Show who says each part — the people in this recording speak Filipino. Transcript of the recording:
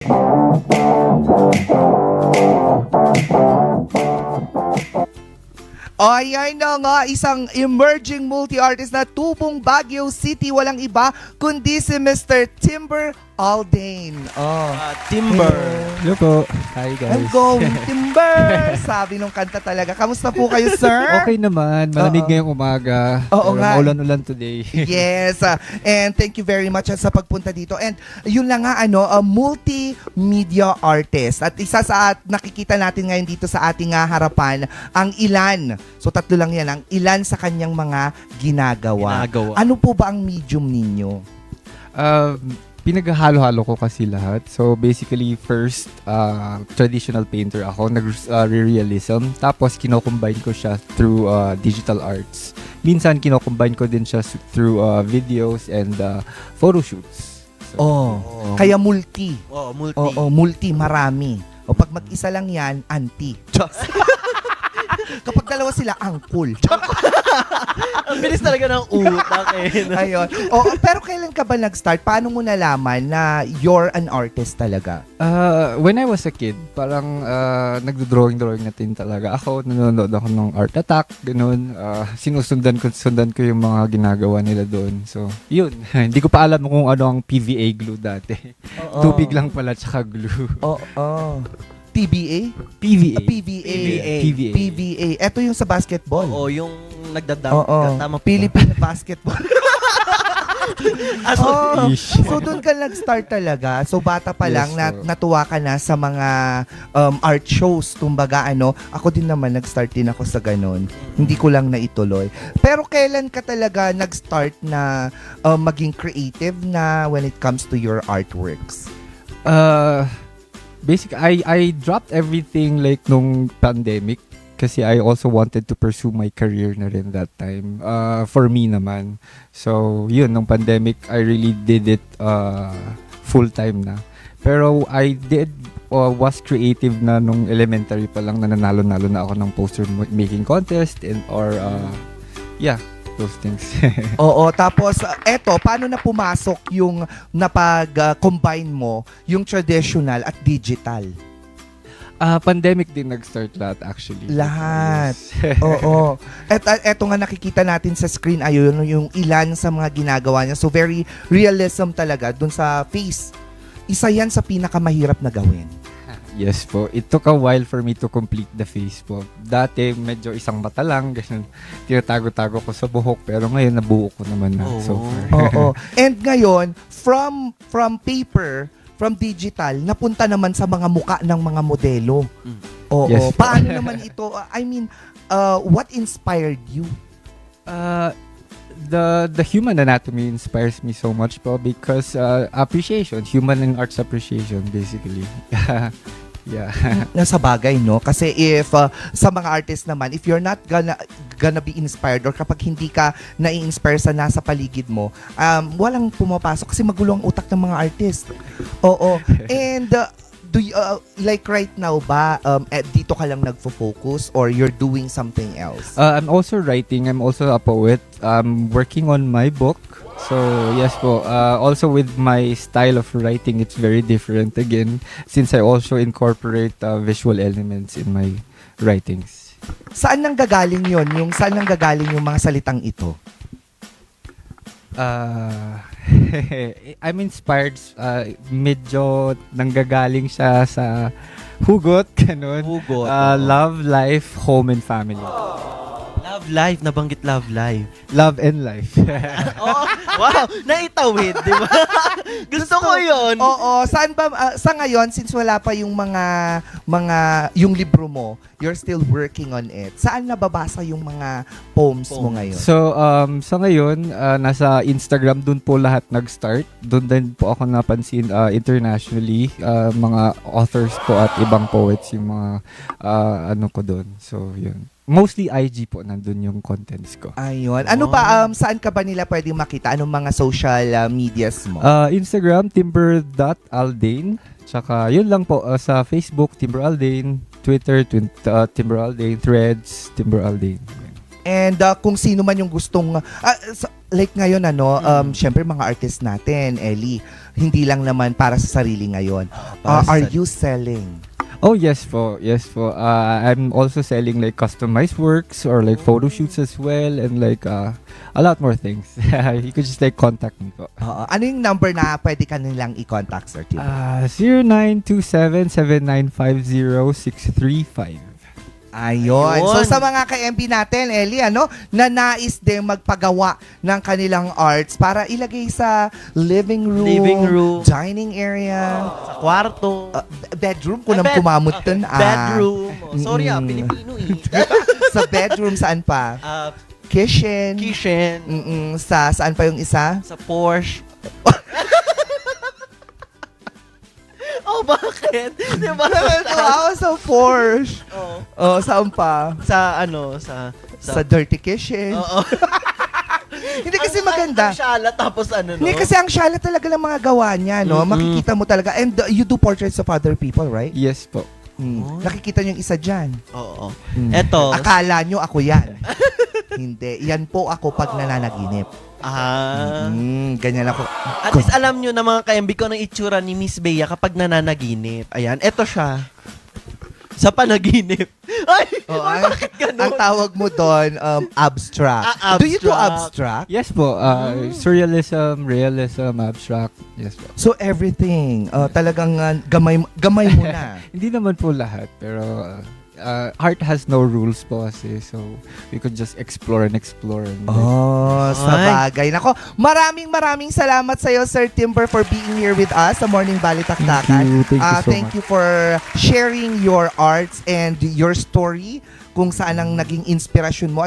Speaker 1: Ayan na nga, isang emerging multi-artist na tubong Baguio City. Walang iba kundi si Mr. Timber Aldane.
Speaker 2: Timber.
Speaker 3: Hello po. Hi guys.
Speaker 1: I'm going Timber! Sabi nung kanta talaga. Kamusta po kayo, sir?
Speaker 3: Okay naman. Malamig ngayong umaga.
Speaker 1: Oo
Speaker 3: Pero
Speaker 1: nga.
Speaker 3: maulan-ulan today.
Speaker 1: Yes, and thank you very much sa pagpunta dito. And yun lang nga, multimedia artist. At isa sa nakikita natin ngayon dito sa ating harapan, ang ilan. So tatlo lang yan, ang ilan sa kanyang mga ginagawa. Ano po ba ang medium ninyo?
Speaker 3: Pinaghalo-halo ko kasi lahat. So basically, first, traditional painter ako. Nag-realism. Tapos kinocombine ko siya through digital arts. Minsan kinocombine ko din siya through videos and photo shoots. So,
Speaker 1: Kaya multi.
Speaker 2: Multi.
Speaker 1: Multi, marami. O pag mag-isa lang yan, anti. Kapag dalawa sila, angkol.
Speaker 2: Ang bilis talaga ng utak eh.
Speaker 1: Ayun. Pero kailan ka ba nag-start? Paano mo nalaman na you're an artist talaga?
Speaker 3: when I was a kid, parang nagdo-drawing na din talaga ako. Nanonood ako ng Art Attack, ganun. Sundan ko yung mga ginagawa nila doon. So, yun. Hindi ko pa alam kung ano ang PVA glue dati. Tubig lang pala tsaka glue.
Speaker 1: TBA?
Speaker 3: PVA.
Speaker 1: PVA. Ito yung sa basketball.
Speaker 2: Oo, yung nagdadunk. Tama
Speaker 1: Philippine basketball.
Speaker 3: Ish.
Speaker 1: So doon ka nag-start talaga. So bata pa lang
Speaker 3: Yes,
Speaker 1: natuwa ka na sa mga art shows. Kumbaga ako din naman nag-start din ako sa ganun. Hindi ko lang naituloy. Pero kailan ka talaga nag-start na maging creative na when it comes to your artworks?
Speaker 3: Basically, I dropped everything like nung pandemic kasi I also wanted to pursue my career na rin that time. For me naman. So, yun, nung pandemic, I really did it full-time na. Pero I was creative na nung elementary pa lang na nanalo-nalo na ako ng poster making contest or those things.
Speaker 1: Tapos paano na pumasok yung napag-combine mo yung traditional at digital?
Speaker 3: Pandemic din nag-start lahat actually.
Speaker 1: Lahat.
Speaker 3: Yes.
Speaker 1: Eto nga nakikita natin sa screen ayun yung ilan sa mga ginagawa niya. So very realism talaga dun sa face. Isa yan sa pinakamahirap na gawin.
Speaker 3: Yes po. It took a while for me to complete the face po. Dati, medyo isang mata lang. Ganun. Tinatago-tago ko sa buhok. Pero ngayon, nabuo ko naman na so far.
Speaker 1: And ngayon, from paper, from digital, napunta naman sa mga muka ng mga modelo.
Speaker 3: Yes,
Speaker 1: Paano naman ito? What inspired you?
Speaker 3: The human anatomy inspires me so much po because appreciation, human and arts appreciation basically. Yeah.
Speaker 1: Nasa bagay, no? Kasi if sa mga artist naman, if you're not gonna be inspired or kapag hindi ka na-inspire sa nasa paligid mo, walang pumapasok kasi magulo ang utak ng mga artist. And do you, like right now ba, dito ka lang nagfo-focus or you're doing something else?
Speaker 3: I'm also writing. I'm also a poet. I'm working on my book. So, yes po. Also with my style of writing, it's very different again since I also incorporate visual elements in my writings.
Speaker 1: Saan nanggagaling yon? Saan nanggagaling yung mga salitang ito?
Speaker 3: I'm inspired. Medyo nanggagaling siya sa hugot, ganun.
Speaker 2: Hugot.
Speaker 3: Love, life, home, and family.
Speaker 2: Love life, nabanggit love life.
Speaker 3: Love and life.
Speaker 2: Wow, naitawid, di ba? Gusto ko yun.
Speaker 1: Saan ba, sa ngayon, since wala pa yung yung libro mo, you're still working on it. Saan nababasa yung mga poems mo ngayon?
Speaker 3: So, sa ngayon, nasa Instagram, dun po lahat nag-start. Dun din po ako napansin internationally. Mga authors po at ibang poets yung mga ko dun. So, yun. Mostly IG po, nandun yung contents ko.
Speaker 1: Ayun. Ano ba, saan ka ba nila pwedeng makita? Anong mga social medias mo?
Speaker 3: Instagram, timber.aldane. Tsaka, yun lang po. Sa Facebook, Timber Aldane. Twitter, Timber Aldane. Threads, Timber Aldane.
Speaker 1: And kung sino man yung gustong... like ngayon syempre mga artist natin, Ellie, hindi lang naman para sa sarili ngayon.
Speaker 2: para sa
Speaker 1: Are
Speaker 2: sarili.
Speaker 1: you selling?
Speaker 3: Oh, yes po. Yes po. I'm also selling like customized works or like photo shoots as well and like a lot more things. You could just like contact me po.
Speaker 1: Ano yung number na pwede ka nilang i-contact, Sir Tim?
Speaker 3: 0927-7950-635.
Speaker 1: Ayun.
Speaker 2: Ayun.
Speaker 1: So sa mga ka-MP natin, Ellie, na nais din magpagawa ng kanilang arts para ilagay sa living room, dining area,
Speaker 2: Sa kwarto.
Speaker 1: bedroom, kung
Speaker 2: Bed-
Speaker 1: kumamot dun.
Speaker 2: bedroom. Oh, sorry
Speaker 1: Mm-mm.
Speaker 2: Pilipino eh.
Speaker 1: Sa bedroom, saan pa? Kitchen.
Speaker 2: Kitchen.
Speaker 1: Saan pa yung isa?
Speaker 2: Sa Porsche. Oh, bakit? Di ba?
Speaker 1: Ako sa Porsche.
Speaker 2: Oh.
Speaker 1: Saan pa?
Speaker 2: Sa
Speaker 1: Sa dirty kitchen.
Speaker 2: Oo.
Speaker 1: Hindi kasi maganda.
Speaker 2: Ang syala, tapos no?
Speaker 1: Hindi kasi ang syala talaga ng mga gawa niya, no?
Speaker 2: Mm-mm.
Speaker 1: Makikita mo talaga. And you do portraits of other people, right?
Speaker 3: Yes po.
Speaker 2: Oh.
Speaker 1: Nakikita niyo yung isa dyan.
Speaker 2: Oo.
Speaker 1: Mm.
Speaker 2: Eto.
Speaker 1: Akala nyo ako yan. Hindi. Yan po ako pag nananaginip. Ganyan ako.
Speaker 2: At least alam nyo na mga ka-MB ko ng itsura ni Miss Bea kapag nananaginip. Ayan, eto siya. Sa panaginip. Ay! Bakit ganun?
Speaker 1: Ang tawag mo doon, abstract. Do you do abstract?
Speaker 3: Yes po. Surrealism, realism, abstract. Yes po.
Speaker 1: So everything, talagang gamay mo na.
Speaker 3: Hindi naman po lahat, pero art has no rules po kasi. So, we could just explore and explore. And
Speaker 1: Sa bagay. Nako, maraming salamat sa iyo, Sir Timber, for being here with us sa Morning Balitaktakan.
Speaker 3: Thank you so
Speaker 1: Thank
Speaker 3: much.
Speaker 1: you for sharing your arts and your story kung saan ang naging inspirasyon mo at